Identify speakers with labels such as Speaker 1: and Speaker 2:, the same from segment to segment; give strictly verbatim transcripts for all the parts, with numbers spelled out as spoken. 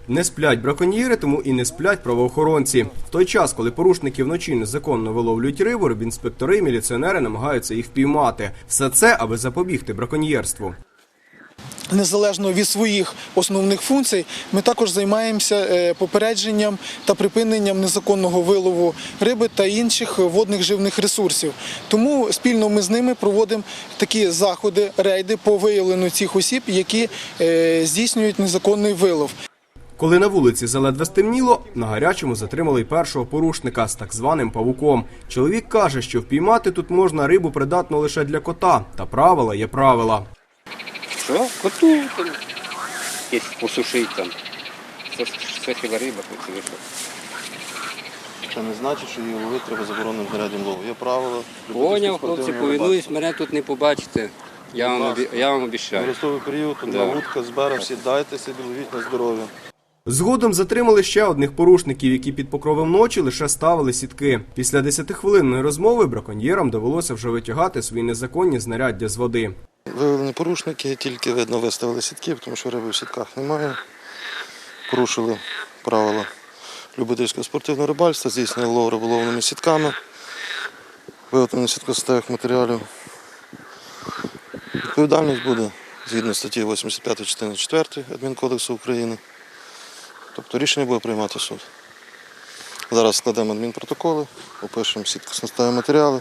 Speaker 1: Не сплять браконьєри, тому і не сплять правоохоронці. В той час, коли порушники вночі незаконно виловлюють рибу, рибінспектори і міліціонери намагаються їх впіймати. Все це, аби запобігти браконьєрству.
Speaker 2: Незалежно від своїх основних функцій, ми також займаємося попередженням та припиненням незаконного вилову риби та інших водних живних ресурсів. Тому спільно ми з ними проводимо такі заходи, рейди по виявленню цих осіб, які здійснюють незаконний вилов.
Speaker 1: Коли на вулиці заледве стемніло, на гарячому затримали й першого порушника з так званим павуком. Чоловік каже, що впіймати тут можна рибу придатну лише для кота, та правила є правила.
Speaker 3: Що? Коту там, є посушити там. Це, це хіба риба, це вийшло.
Speaker 4: Це не значить, що її ловити треба забороненим знаряддям лову. Є правила.
Speaker 3: Поняв, хлопці, повинуюсь, мене тут не побачите. Я вам, обі... Я вам обіцяю.
Speaker 4: Нерестовий період, одна
Speaker 3: Да.
Speaker 4: вудка з берега, сідайте собі, ловіть на здоров'я.
Speaker 1: Згодом затримали ще одних порушників, які під покровом ночі лише ставили сітки. Після десятихвилинної розмови браконьєрам довелося вже витягати свої незаконні знаряддя з води.
Speaker 4: Виявлені порушники, тільки видно виставили сітки, тому що риби в сітках немає. Порушили правила любительського спортивного рибальства, здійснили лов риболовними сітками, виготовлення сіткостатевих матеріалів. Відповідальність буде згідно статті вісімдесят п'ять частини четвертої Адмінкодексу України. Тобто рішення буде приймати суд. Зараз складемо адмінпротоколи, опишемо сіткостатеві матеріали.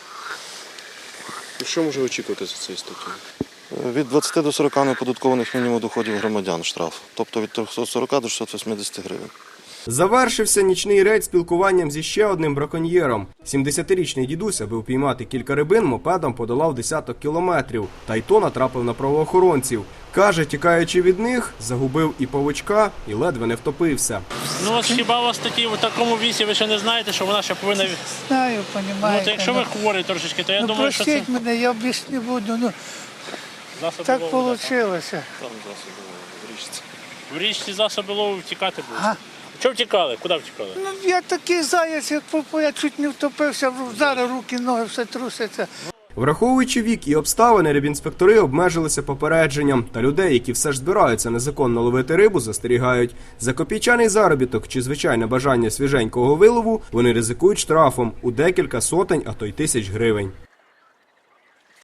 Speaker 5: Що може очікувати за цією статтею?
Speaker 4: Від двадцяти до сорока неоподаткованих мінімум доходів громадян штраф. Тобто від трьохсот сорока до шістсот вісімдесят гривень.
Speaker 1: Завершився нічний рейд спілкуванням зі ще одним браконьєром. сімдесятирічний дідусь, аби впіймати кілька рибин, мопедом подолав десяток кілометрів. Та й то натрапив на правоохоронців. Каже, тікаючи від них, загубив і павучка, і ледве не втопився.
Speaker 6: Ну от хіба у вас такі в такому вісі, ви ще не знаєте, що вона ще повинна...
Speaker 7: Знаю, розумієте.
Speaker 6: Ну, то якщо ви хворі трошечки, то я
Speaker 7: ну,
Speaker 6: думаю, що це...
Speaker 7: простіть мене, я більше не буду. Ну,
Speaker 6: Засоби
Speaker 7: так
Speaker 6: лову,
Speaker 7: вийшло.
Speaker 6: В річці засоби лову втікати будуть.
Speaker 7: Ага.
Speaker 6: Чого втікали? Куди втікали?
Speaker 7: Ну, я такий заяць, як попав, я чуть не втопився, зараз руки, ноги, все труситься.
Speaker 1: Враховуючи вік і обставини, рибінспектори обмежилися попередженням. Та людей, які все ж збираються незаконно ловити рибу, застерігають. За копійчаний заробіток чи звичайне бажання свіженького вилову вони ризикують штрафом у декілька сотень, а то й тисяч гривень.